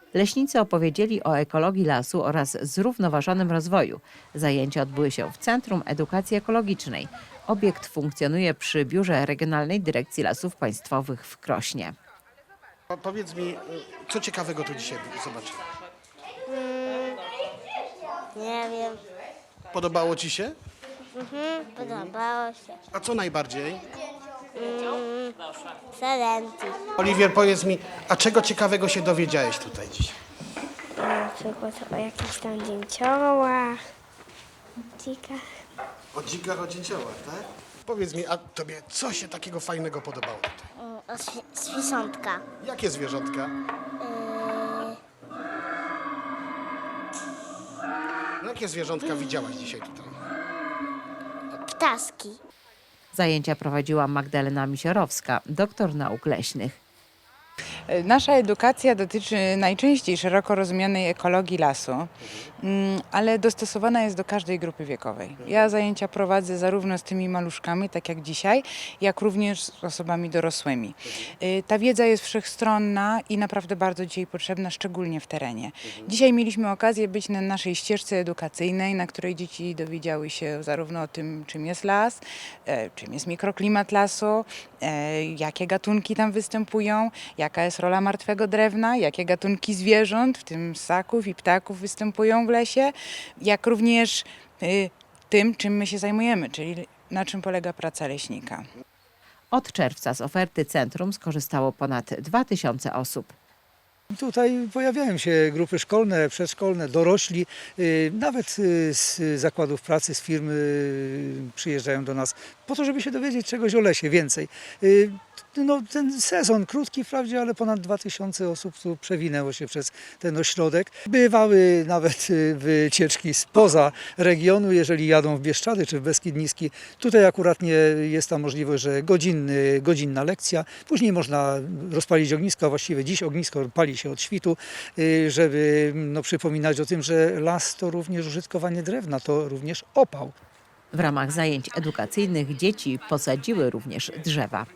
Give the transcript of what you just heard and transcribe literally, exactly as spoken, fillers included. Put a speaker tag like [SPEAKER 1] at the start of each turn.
[SPEAKER 1] Leśnicy opowiedzieli o ekologii lasu oraz zrównoważonym rozwoju. Zajęcia odbyły się w Centrum Edukacji Ekologicznej. Obiekt funkcjonuje przy Biurze Regionalnej Dyrekcji Lasów Państwowych w Krośnie.
[SPEAKER 2] Po- Powiedz mi, co ciekawego tu dzisiaj zobaczyłeś?
[SPEAKER 3] Nie wiem,
[SPEAKER 2] Podobało ci się?
[SPEAKER 3] podobało się.
[SPEAKER 2] A co najbardziej?
[SPEAKER 3] Salenty.
[SPEAKER 2] Oliwier, powiedz mi, a czego ciekawego się dowiedziałeś tutaj dziś?
[SPEAKER 3] Na przykład o jakichś tam dzięciołach, dzikach.
[SPEAKER 2] O dzikach, o dzięciołach, tak? Powiedz mi, a tobie co się takiego fajnego podobało tutaj?
[SPEAKER 3] O świszątka.
[SPEAKER 2] Jakie zwierzątka? No, jakie zwierzątka widziałaś dzisiaj tutaj?
[SPEAKER 3] Ptaski.
[SPEAKER 1] Zajęcia prowadziła Magdalena Misiorowska, doktor nauk leśnych.
[SPEAKER 4] Nasza edukacja dotyczy najczęściej szeroko rozumianej ekologii lasu, mm, ale dostosowana jest do każdej grupy wiekowej. Ja zajęcia prowadzę zarówno z tymi maluszkami, tak jak dzisiaj, jak również z osobami dorosłymi. Y, Ta wiedza jest wszechstronna i naprawdę bardzo dzisiaj potrzebna, szczególnie w terenie. Dzisiaj mieliśmy okazję być na naszej ścieżce edukacyjnej, na której dzieci dowiedziały się zarówno o tym, czym jest las, e, czym jest mikroklimat lasu, e, jakie gatunki tam występują, jaka jest rola martwego drewna, jakie gatunki zwierząt, w tym ssaków i ptaków, występują w lesie, jak również y, tym, czym my się zajmujemy, czyli na czym polega praca leśnika.
[SPEAKER 1] Od czerwca z oferty centrum skorzystało ponad dwa tysiące osób.
[SPEAKER 5] Tutaj pojawiają się grupy szkolne, przedszkolne, dorośli, y, nawet y, z zakładów pracy, z firm y, przyjeżdżają do nas po to, żeby się dowiedzieć czegoś o lesie więcej. Y, No, ten sezon krótki wprawdzie, ale ponad dwa tysiące osób tu przewinęło się przez ten ośrodek. Bywały nawet y, wycieczki spoza regionu, jeżeli jadą w Bieszczady czy w Beskid Niski. Tutaj akurat nie jest ta możliwość, że godzinny, godzinna lekcja. Później można rozpalić ognisko, a właściwie dziś ognisko pali się od świtu, y, żeby no, przypominać o tym, że las to również użytkowanie drewna, to również opał.
[SPEAKER 1] W ramach zajęć edukacyjnych dzieci posadziły również drzewa.